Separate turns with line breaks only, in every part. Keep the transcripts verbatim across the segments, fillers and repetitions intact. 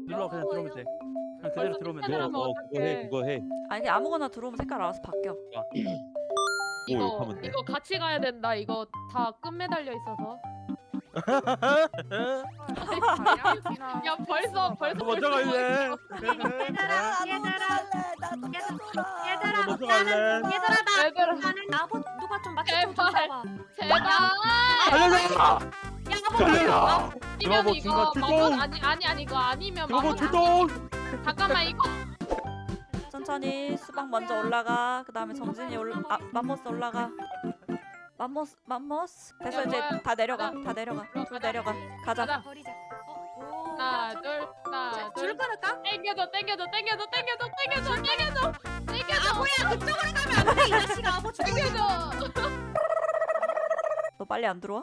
눌러 그냥 들어오면 돼. 그냥 그대로 들어오면 돼.
너,
하면
어 그거 해
어떡해.
그거 해.
아니 그냥 아무거나 들어오면 색깔 알아서 바뀌어.
이거
욕하면 돼.
이거 같이 가야 된다. 이거 다 끈 매달려 있어서. 야 벌써 벌써
먼저 갈래.
얘들아 나도
얘들아
얘들아
먼저 갈래.
얘들아 나
얘들아
나는 아버 누가 좀 맞춰 좀
제발.
줘봐.
제발.
달려라.
야 아버
달려라.
아니면
드라마
이거
중간 출동!
마법 아니 아니 아니 이거 아니면
그거
마법
출동.
잠깐만 이거
천천히 수박 먼저 올라가. 그 다음에 정진이 올라. 아 맘모스 올라가. 맘모스 맘모스. 됐어
야,
이제
뭐야.
다 내려가.
가자.
다 내려가.
가자.
다 내려가. 가자.
가자.
버리자. 어, 오,
하나
야,
둘 하나
자,
둘
줄 끊을까?
땡겨줘 땡겨줘 땡겨줘 땡겨줘 땡겨줘 땡겨줘 땡겨줘
아버야 그쪽으로 가면 안돼 이 자식아 아버 죽여.
땡겨줘.
너 빨리 안 들어와?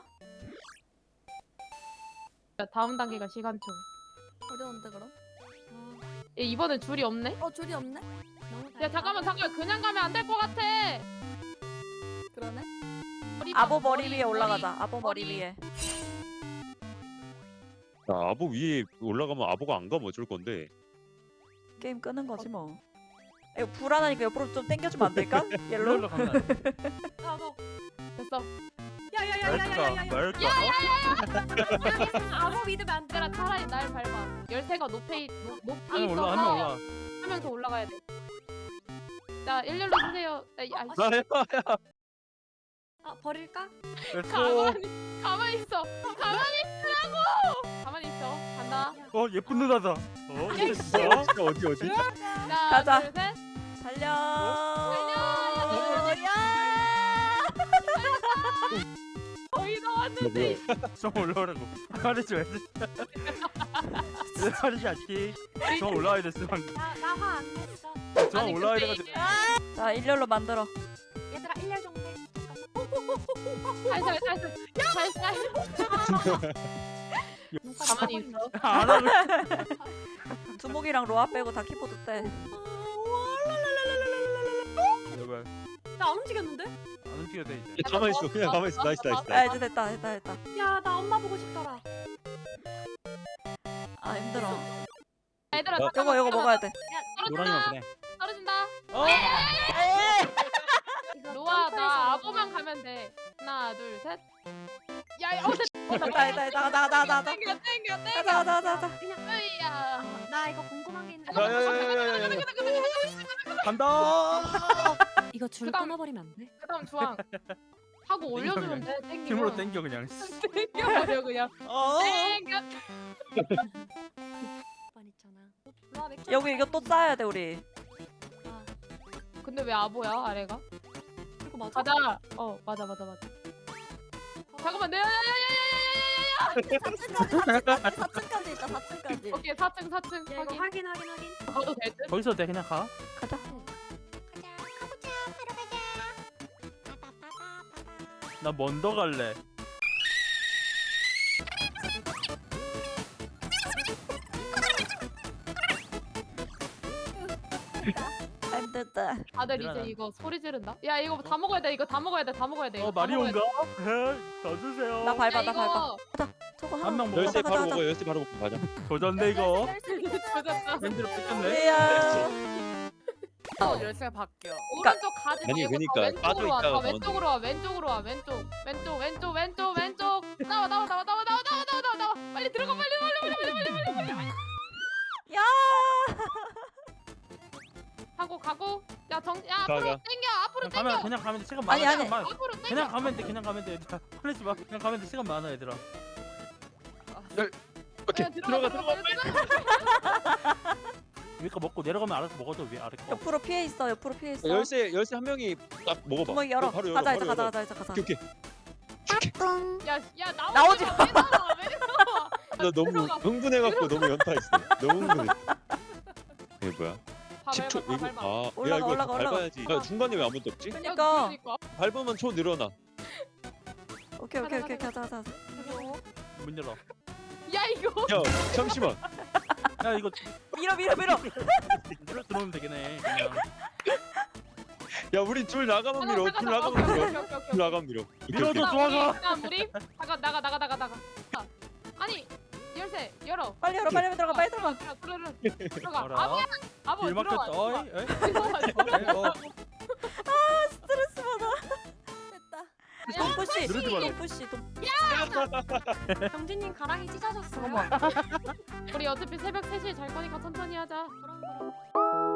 자, 다음 단계가 시간초.
어려운데 그럼?
얘 이번엔 줄이 없네.
어 줄이 없네?
야 잠깐만 잠깐 그냥 가면 안 될 것 같아.
그러네?
머리
아보
봐,
머리 위에 올라가자. 아보 머리
머리.
위에.
야 아보 위에 올라가면 아보가 안 가면 어쩔 건데.
게임 끄는 거지 뭐. 이거 불안하니까 옆으로 좀 당겨주면 안 될까? 옐로우.
일로 가면 안 돼.
아보 됐어.
말까
야야야야야야.
말까.
아버 믿으면 안 돼.
얘들아 차라리 날 밟아. 열쇠가 높이 높- 높이
한명 올라 한 명
있어서
올라.
한 명 더 올라가야 돼. 자 일렬로 주세요. 아, 아,
나 해봐.
아 버릴까?
됐어.
가만히 가만히 있어. 가만히 있으라고. 가만히 있어. 간다.
어 예쁜 누나다. 어
야,
됐어.
진짜 어디 어디?
하나
가자.
둘 셋.
달려.
달려.
야.
거의 다 왔는데.
좀 올라오라고. 말해줘. 말이지 않지. 저 올라와야 됐어 방금.
나나화안 냈어.
저
아니,
올라와야
근데
돼가지고.
이게
자 일렬로 만들어.
얘들아 일렬 정도 해.
살살 살살 살살. 가만히 있어.
안 하고.
두목이랑 로아 빼고 다 키보드 때.
제발.
나안 움직였는데?
안 움직여도 돼 이제.
야, 가만 있어. 그냥 가만 있어. 나이스 나이스.
아 이제 됐다 됐다 됐다.
야 나 엄마 보고 싶더라.
아 힘들어.
얘들아
어,
잠깐만.
요거 요거 먹어야 돼.
노랑이만 보내.
떨어진다.
어?
이거
로아
점프해서
나
먹어.
아보만 가면 돼. 하나 둘 셋. 야야 어제
됐다 됐다 됐다 나가 나가 나가.
땡겨 땡겨
가자
땡겨.
가자 가자 가자.
으이야.
나 이거 궁금한 게 있는데.
야야야야야. 간다.
이거 줄
그다음-
끊어버리면 안 돼?
그다음 주황. 하고 올려주면 돼. 땡겨.
힘으로 땡겨 그냥.
땡겨버려 그냥.
어.
땡겨.
번 있잖아. 로아 맥주.
여기 이거 또 쌓아야 돼 우리.
아,
근데 왜 아보야 아래가?
이거 맞아?
맞아. 어 맞아 맞아 맞아. 잠깐만 내.
사 층까지 있다 사 층까지.
오케이 사 층 사 층
야 이거
확인.
확인 확인 확인.
가도 될 듯?
거기서 돼 그냥 가.
가자.
나 먼저 갈래.
힘들다.
다들
일어나.
이제 이거 소리 지른다. 야 이거 다 먹어야 돼. 이거 다 먹어야 돼. 다 먹어야 돼.
어
이거 다 먹어야
마리온가?
돼.
더 주세요.
나 밟아
야,
나
이거
밟아. 저거 하나.
한 명 먹어.
열쇠
가자,
바로
가자.
먹어. 열쇠 바로 먹고 가자.
조졌네 이거.
조졌다.
밴드로 뺏겼네.
야.
어,
열쇠 바뀌어.
오른쪽 가지
아니,
말고
그러니까
다 왼쪽으로 와.
빠져
다
있다가
왼쪽으로 와. 왼쪽으로 와. 왼쪽. 왼쪽. 왼쪽. 왼쪽. 왼쪽. 나와 나와 나와 나와 나와 나와 나와 나와 나와. 빨리 들어가 빨리 빨리 빨리 빨리 빨리 빨리 빨리.
야.
하고 가고. 야 정. 야
가,
앞으로
가.
당겨. 앞으로
그냥 가면
당겨.
그냥 가면 돼. 시간
아니,
많아.
아니.
시간 많아.
앞으로 당겨.
그냥 가면 돼. 그냥 가면 돼. 얘들아. 화내지 마. 그냥 가면 돼. 시간 많아 얘들아.
오케이.
야,
들어가 들어가.
위에 거 먹고 내려가면 알아서 먹어줘. 위에 아래 거.
옆으로 피해 있어. 옆으로 피해 있어.
열쇠 열쇠 한 명이 딱 먹어봐.
구멍 열어.
어, 바로 열어.
가자
바로
이제 가자
열어.
가자 이제 가자.
오케이 오케이.
야, 야 나오지,
나오지
마. 왜 나와? 왜 나와?
나 너무
들어가.
흥분해갖고 너무 연타했어. 너무 흥분했어. 이게 뭐야?
봐,
십 초
밟아, 봐,
이거
밟아.
아, 야
올라가,
이거
올라가, 올라가.
밟아야지. 야 중간에 왜 아무것도 없지?
야,
그러니까.
그러니까.
밟으면 초 늘어나.
오케이 오케이 오케이
가자,
가자 가자.
문 열어.
야 이거.
야 잠시만.
야 이거
밀어 밀어 밀어.
밀어 들어오면 되겠네. 그냥.
야 우리 줄 나가면 밀어. 줄 나가면 밀어. 줄 나가면 밀어. 오케이,
밀어줘.
오케이.
좋아가.
나 우리 나가 나가 나가 나가 나가. 아, 아니 열쇠 열어. 열어.
빨리 열어 빨리 들어가 빨리 들어가.
들어가 들어가 들어가.
알아.
아무야. 아무
길
들어가.
막혔다. 어이,
들어가.
에이,
들어가,
에이,
들어가.
어.
스트레스 받아.
됐다.
돈 푸시.
누르지 말라.
돈 푸시. 돈.
경진님 가랑이 찢어졌어요.
잠깐만.
우리 어차피 새벽 세 시에 잘 거니까 천천히 하자.
그럼 그럼.